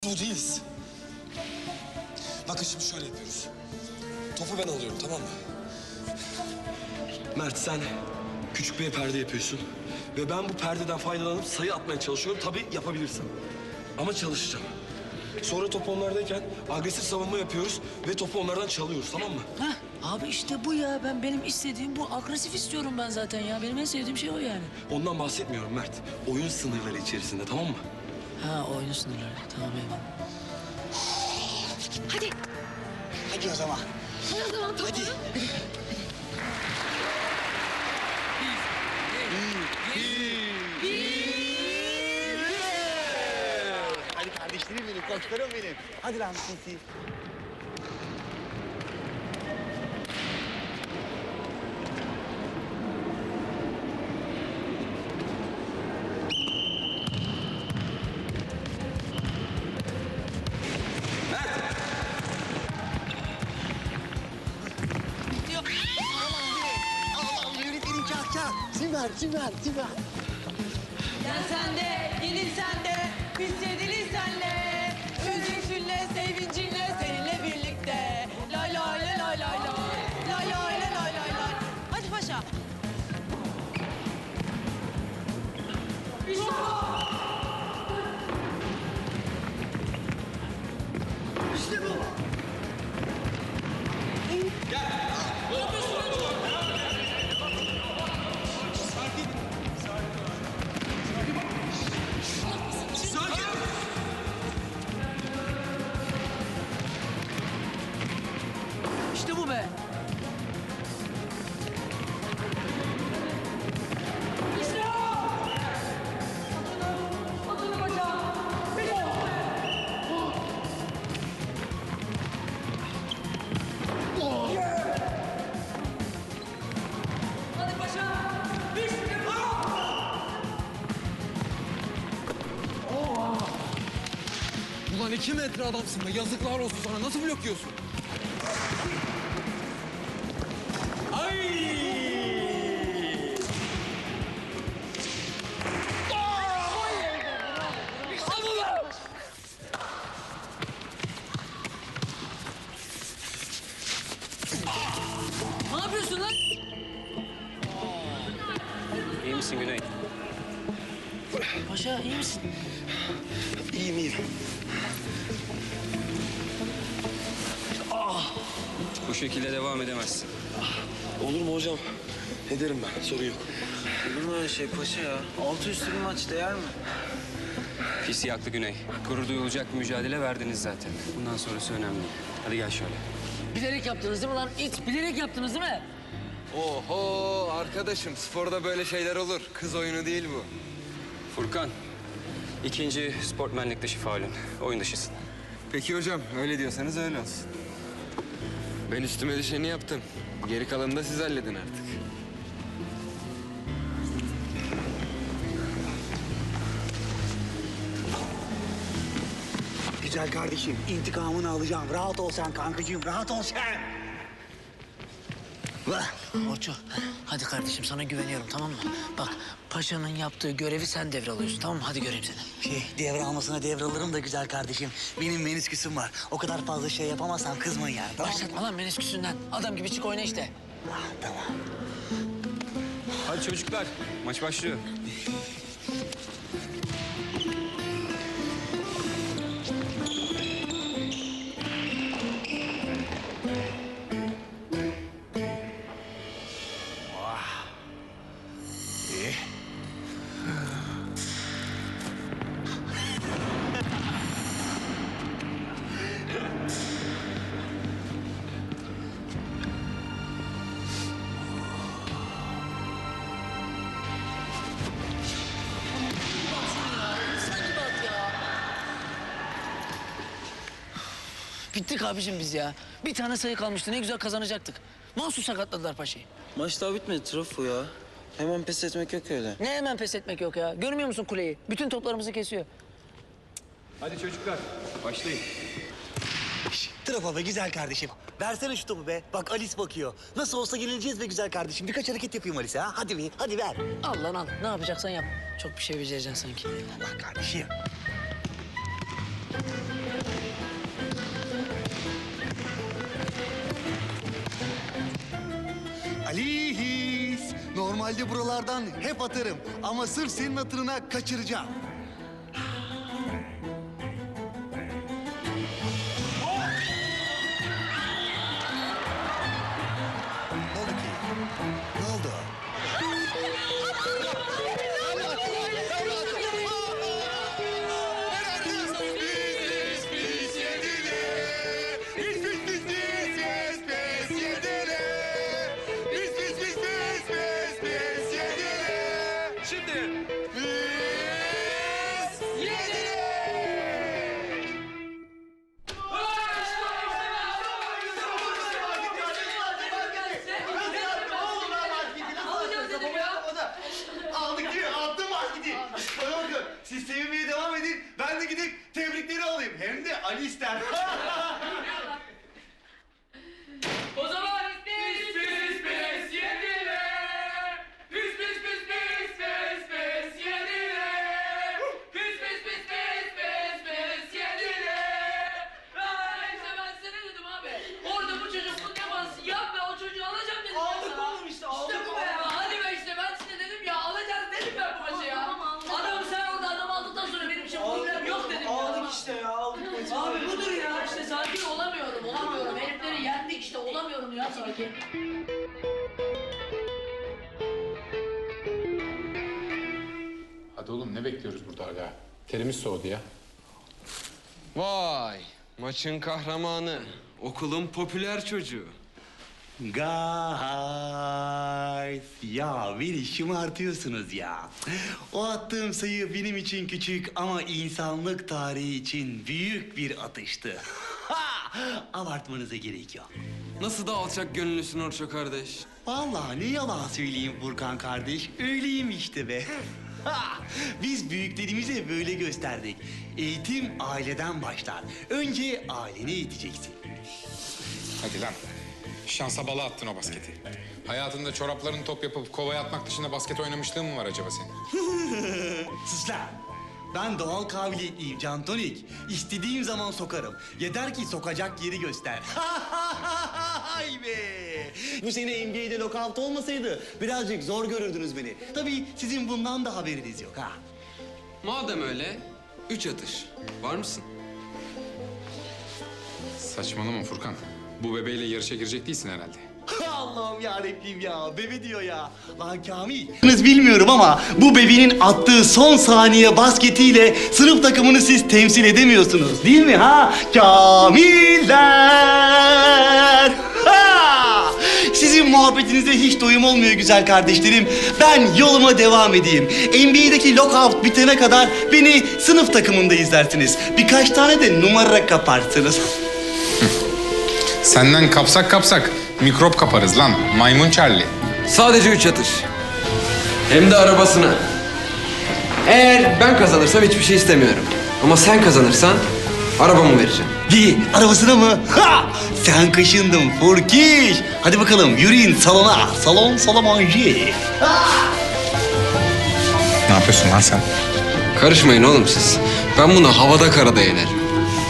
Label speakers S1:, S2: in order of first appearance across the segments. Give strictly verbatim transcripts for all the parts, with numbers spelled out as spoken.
S1: Bu değiliz. Bakın şimdi şöyle yapıyoruz. Topu ben alıyorum, tamam mı? Mert, sen küçük bir perde yapıyorsun. Ve ben bu perdeden faydalanıp sayı atmaya çalışıyorum. Tabii yapabilirsem. Ama çalışacağım. Sonra top onlardayken agresif savunma yapıyoruz ve topu onlardan çalıyoruz, tamam mı?
S2: Heh, abi işte bu ya. Ben benim istediğim bu. Agresif istiyorum ben zaten ya. Benim en sevdiğim şey o yani.
S1: Ondan bahsetmiyorum Mert. Oyun sınırları içerisinde, tamam mı?
S2: Ha, oyun sınırları. Tamam, eyvallah.
S3: Hadi.
S4: Hadi o zaman.
S3: Hadi o zaman.
S4: Hadi. Hadi kardeşlerim benim, koçlarım benim. Hadi lan Sinsi. Allah'ım yönetmenin kahkaha. Süper, süper, süper.
S5: Gel sen de, gelin sen de, biz yediliz senle. Üzüntünle, sevincinle, seninle birlikte. Lay lay lay lay lay lay. Lay lay lay lay lay lay. Hadi paşa.
S2: İşte bu be.
S5: Hadi paşa. İşte bu.
S6: Ulan iki metre adamsın be. Yazıklar olsun sana. Nasıl blokluyorsun?
S2: Ne yapıyorsun lan?
S7: İyi misin Güney?
S2: Paşa iyi misin?
S1: İyiyim, iyiyim.
S7: Bu şekilde devam edemezsin.
S1: Olur mu hocam? Ederim ben, sorun yok.
S8: Olur mu öyle şey paşa ya? Altı üstü bir maç değer mi?
S7: Pis yaklı Güney. Gurur duyulacak bir mücadele verdiniz zaten. Bundan sonrası önemli. Hadi gel şöyle.
S2: Bilerek yaptınız değil mi lan? İt, bilerek yaptınız değil mi?
S6: Oho arkadaşım, sporda böyle şeyler olur. Kız oyunu değil bu.
S7: Furkan, ikinci sportmenlik dışı faulün. Oyun dışısın.
S6: Peki hocam, öyle diyorsanız öyle olsun. Ben üstüme düşeni yaptım. Geri kalanını da siz halledin artık.
S4: Güzel kardeşim, intikamını alacağım. Rahat ol sen kankacığım, rahat ol sen. Vah.
S2: Orço, hadi kardeşim sana güveniyorum, tamam mı? Bak, paşanın yaptığı görevi sen devralıyorsun, tamam mı? Hadi göreyim seni.
S4: Şey, devralmasına devralırım da güzel kardeşim. Benim menisküsüm var. O kadar fazla şey yapamazsan kızmayın yani. Tamam mı?
S2: Başlatma lan menisküsünden. Adam gibi çık oyna işte.
S4: Ah, tamam.
S7: Hadi çocuklar, maç başlıyor.
S2: Bittik abicim biz ya. Bir tane sayı kalmıştı, ne güzel kazanacaktık. Mahsus sakatladılar paşayı.
S8: Maç daha bitmedi trafo ya. Hemen pes etmek yok öyle.
S2: Ne hemen pes etmek yok ya. Görmüyor musun kuleyi? Bütün toplarımızı kesiyor.
S7: Hadi çocuklar, başlayın.
S4: Trafo be güzel kardeşim. Versene şu topu be. Bak Alice bakıyor. Nasıl olsa yenileceğiz be güzel kardeşim. Birkaç hareket yapayım Alice ha. Hadi bir, hadi ver.
S2: Al lan al. Ne yapacaksan yap. Çok bir şey becereceksin sanki.
S4: Allah kardeşim. Normalde buralardan hep atarım. Ama sırf senin hatırına kaçıracağım. Ne oldu ki? Ne oldu? Aldık değil mi? Attım marketi. Bana bakın, siz sevinmeye devam edin. Ben de gidip tebrikleri alayım. Hem de Ali ister.
S5: O zaman pis pis pis yedile. Pis pis pis pis pis pis yedile. Pis pis pis pis pis pis yedile. Aa, işte ben sana dedim abi. Orada bu çocuk bu teması yap ve o çocuğu alacağım dedim. Aldık oğlum işte aldık. İşte bu be ya. Hadi be işte ben size dedim ya alacağız dedim ben bu maçı ya. Adam sen orada adam aldıktan sonra benim için problem yok dedim ya. Aldık işte ya aldık maçı. Abi budur ya işte sakin olamıyorum olamıyorum. Herifleri yendik işte olamıyorum ya sakin.
S3: Hadi oğlum ne bekliyoruz burada hala? Terimiz soğudu ya.
S6: Vay, maçın kahramanı. Okulun popüler çocuğu.
S4: Guys, ya beni şımartıyorsunuz ya. O attığım sayı benim için küçük ama insanlık tarihi için büyük bir atıştı. Ha! Abartmanıza gerek yok.
S6: Nasıl da alçak gönüllüsün Orço kardeş.
S4: Vallahi ne yalan söyleyeyim Furkan kardeş, öyleyim işte be. Ha! Biz büyüklerimize böyle gösterdik. Eğitim aileden başlar. Önce aileni eğiteceksin.
S3: Hadi lan. Şansa bala attın o basketi. Hayatında çoraplarını top yapıp kovaya atmak dışında basket oynamışlığın mı var acaba senin?
S4: Sus lan! Ben doğal kabiliyetliyim Cantonik. İstediğim zaman sokarım. Yeter ki sokacak yeri göster. Hay be! Bu sene N B A'de lockout olmasaydı birazcık zor görürdünüz beni. Tabii sizin bundan da haberiniz yok ha.
S6: Madem öyle, üç atış. Var mısın?
S3: Saçmalama Furkan. Bu bebeğiyle yarışa girecek değilsin herhalde.
S4: Allah'ım yarabbim ya, bebe diyor ya. Lan Kamil. Bilmiyorum ama bu bebeğin attığı son saniye basketiyle sınıf takımını siz temsil edemiyorsunuz değil mi ha? Kamiller! Ha! Sizin muhabbetinize hiç doyum olmuyor güzel kardeşlerim. Ben yoluma devam edeyim. N B A'deki lockout bitene kadar beni sınıf takımında izlersiniz. Birkaç tane de numara kaparsınız.
S3: Senden kapsak kapsak mikrop kaparız lan. Maymun Charlie.
S6: Sadece üç atış. Hem de arabasına. Eğer ben kazanırsam hiçbir şey istemiyorum. Ama sen kazanırsan arabamı vereceğim.
S4: İyi, arabasına mı? Ha! Sen kaşındın Furkiş. Hadi bakalım yürüyün salona. Salon Salamanji.
S3: Ne yapıyorsun lan sen?
S6: Karışmayın oğlum siz. Ben bunu havada karada yenerim.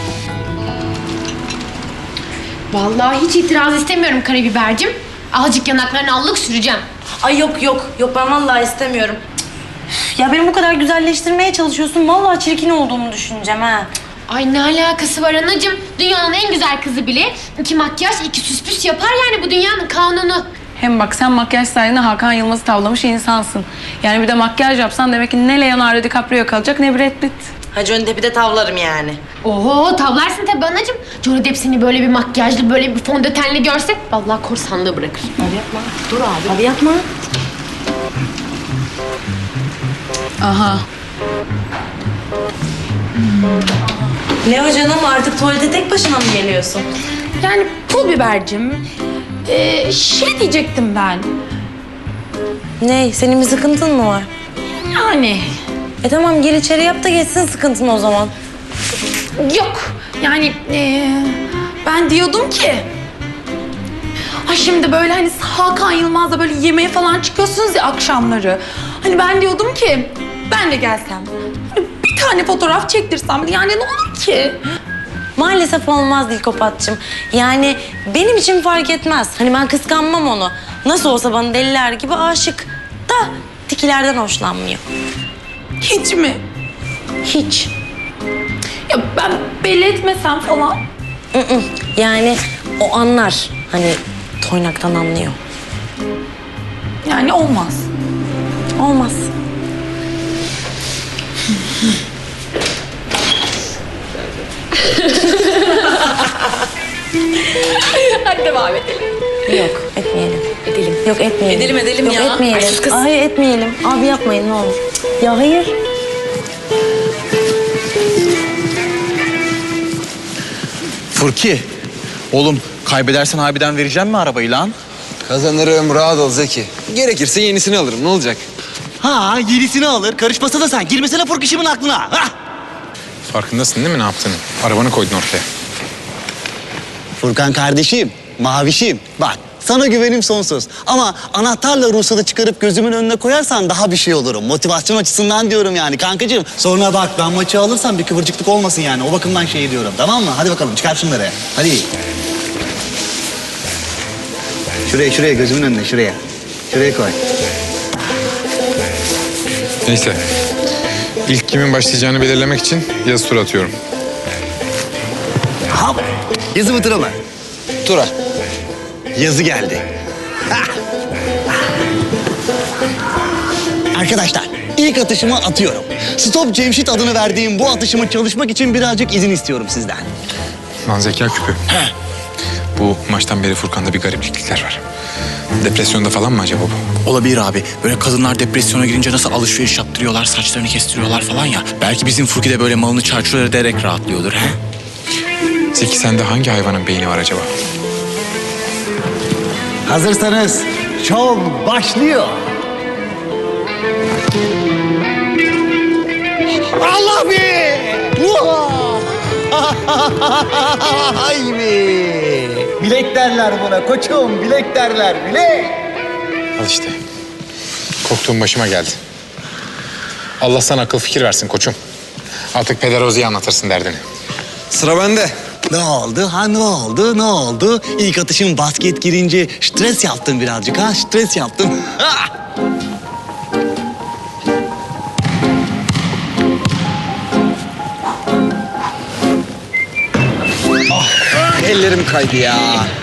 S9: Vallahi hiç itiraz istemiyorum karabibercim. Azıcık yanaklarını allık süreceğim.
S10: Ay yok yok yok ben vallahi istemiyorum. Üf, ya beni bu kadar güzelleştirmeye çalışıyorsun. Vallahi çirkin olduğumu düşüneceğim ha.
S9: Ay ne alakası var anacığım? Dünyanın en güzel kızı bile iki makyaj, iki süs püs yapar yani bu dünyanın kanunu.
S5: Hem bak sen makyaj sayesinde Hakan Yılmaz'ı tavlamış insansın. Yani bir de makyaj yapsan demek ki ne Leonardo DiCaprio kalacak ne Brad Pitt.
S10: Ha Johnny Depp'i de tavlarım yani.
S9: Oho tavlarsın tabii anacığım. Johnny Depp seni böyle bir makyajlı, böyle bir fondötenli görse vallahi korsanlığı bırakır.
S10: Hadi yapma. Dur abi. Hadi yapma.
S5: Aha.
S10: Ne o canım artık tuvalete tek başına mı geliyorsun?
S5: Yani pul bibercim. Ee, şey diyecektim ben.
S10: Ne? Senin bir sıkıntın mı var?
S5: Yani
S10: E tamam gir içeri yap da geçsin sıkıntın o zaman.
S5: yok. Yani ee, ben diyordum ki... Ay şimdi böyle hani Hakan Yılmaz'la böyle yemeğe falan çıkıyorsunuz ya akşamları. Hani ben diyordum ki ben de gelsem. Hani bir tane fotoğraf çektirsem yani ne olur ki?
S10: Maalesef olmaz Dilkopatçığım. Yani benim için fark etmez. Hani ben kıskanmam onu. Nasıl olsa bana deliler gibi aşık. Da tikilerden hoşlanmıyor.
S5: Hiç mi?
S10: Hiç.
S5: Ya ben belli etmesem falan.
S10: Mm-mm. Yani o anlar. Hani toynaktan anlıyor.
S5: Yani olmaz.
S10: Olmaz.
S5: Hadi devam edelim.
S10: Yok, etmeyelim.
S5: Edelim.
S10: Yok, etmeyelim.
S5: Edelim, edelim
S10: Yok,
S5: ya.
S10: etmeyelim.
S5: Ay, sus kız.
S10: Hayır, etmeyelim. Abi yapmayın ne olur. Cık, ya hayır.
S4: Furki, oğlum kaybedersen harbiden vereceğim mi arabayı lan?
S6: Kazanırım, rahat ol Zeki. Gerekirse yenisini alırım, ne olacak?
S4: Ha, yenisini alır. Karışmasana sen. Girmesene Furkişimin aklına. Ha!
S3: Farkındasın değil mi ne yaptığını? Arabanı koydun ortaya.
S4: Furkan kardeşim, mavişim. Bak sana güvenim sonsuz. Ama anahtarla ruhsatı çıkarıp gözümün önüne koyarsan daha bir şey olurum. Motivasyon açısından diyorum yani kankacığım. Sonra bak ben maçı alırsam bir kıvırcıklık olmasın yani. O bakımdan şey diyorum tamam mı? Hadi bakalım çıkar şunları. Hadi. Şuraya şuraya gözümün önüne şuraya. Şuraya koy.
S3: Neyse. İlk kimin başlayacağını belirlemek için yazı tura atıyorum.
S4: Ha, yazı mı tura mı?
S6: Tura.
S4: Yazı geldi. Ha! Arkadaşlar ilk atışımı atıyorum. Stop Cemşit adını verdiğim bu atışımı çalışmak için birazcık izin istiyorum sizden.
S3: Lan zeka küpü. Bu maçtan beri Furkan'da bir gariplikler var. Depresyonda falan mı acaba bu?
S11: Olabilir abi. Böyle kadınlar depresyona girince nasıl alışveriş yaptırıyorlar, saçlarını kestiriyorlar falan ya. Belki bizim Furki de böyle malını çarçur ederek rahatlıyordur he?
S3: Zeki sende hangi hayvanın beyni var acaba?
S4: Hazırsanız şov başlıyor. Allah be! Ay be! Bilek derler buna koçum, bilek derler, bilek.
S3: Al işte. Korktuğum başıma geldi. Allah sana akıl fikir versin koçum. Artık Peder Ozi'ye anlatırsın derdini.
S6: Sıra bende.
S4: Ne oldu ha ne oldu ne oldu? İlk atışım basket girince stres yaptım birazcık ha stres yaptım. Ha!
S6: Ellerim kaydı ya.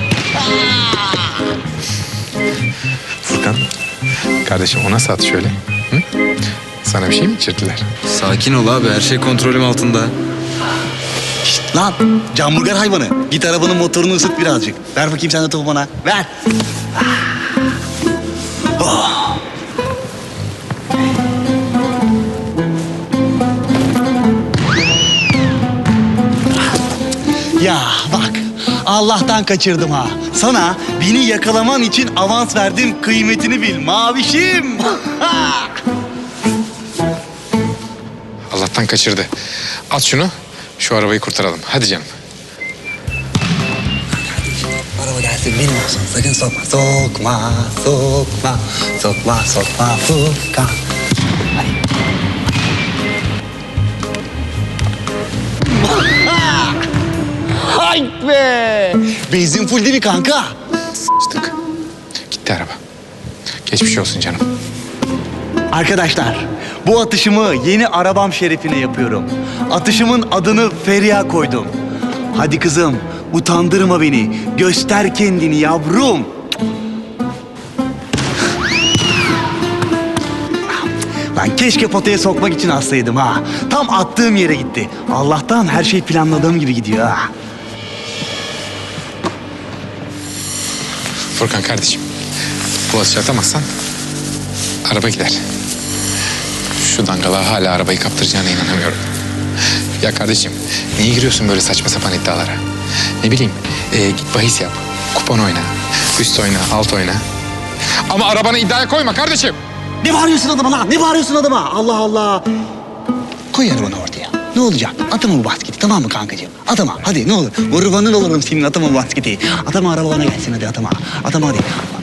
S3: Furkan, kardeşim o nasıl at şöyle? Hı? Sana bir şey mi içirdiler?
S6: Sakin ol abi, her şey kontrolüm altında.
S4: Şişt, lan camburger hayvanı git arabanın motorunu ısıt birazcık. Ver bakayım sen de topu bana ver. Oh. Ya bak Allah'tan kaçırdım ha. Sana beni yakalaman için avans verdim kıymetini bil mavişim.
S3: Allah'tan kaçırdı. At şunu, şu arabayı kurtaralım. Hadi canım.
S4: Araba gelsin benim olsun sakın sokma. Sokma, sokma, sokma, sokma, Furkan. Hadi. Hay be! Benzin full değil mi kanka?
S3: Sıçtık. Gitti araba. Geçmiş olsun canım.
S4: Arkadaşlar, bu atışımı yeni arabam şerefine yapıyorum. Atışımın adını Feriha koydum. Hadi kızım, utandırma beni. Göster kendini yavrum. Lan keşke potaya sokmak için atsaydım ha. Tam attığım yere gitti. Allah'tan her şey planladığım gibi gidiyor ha.
S3: Furkan kardeşim, bu atışı atamazsan araba gider. Şu dangala hala arabayı kaptıracağına inanamıyorum. Ya kardeşim, niye giriyorsun böyle saçma sapan iddialara? Ne bileyim, e, git bahis yap, kupon oyna, üst oyna, alt oyna. Ama arabanı iddiaya koyma kardeşim.
S4: Ne bağırıyorsun adama lan? Ne bağırıyorsun adama? Allah Allah. Koy arabanı ortaya. Ne olacak? Atama bu basketi tamam mı kankacığım? Atama hadi ne olur. Kurbanın olurum senin atama bu basketi. Atama araba bana gelsin hadi atama. Atama hadi.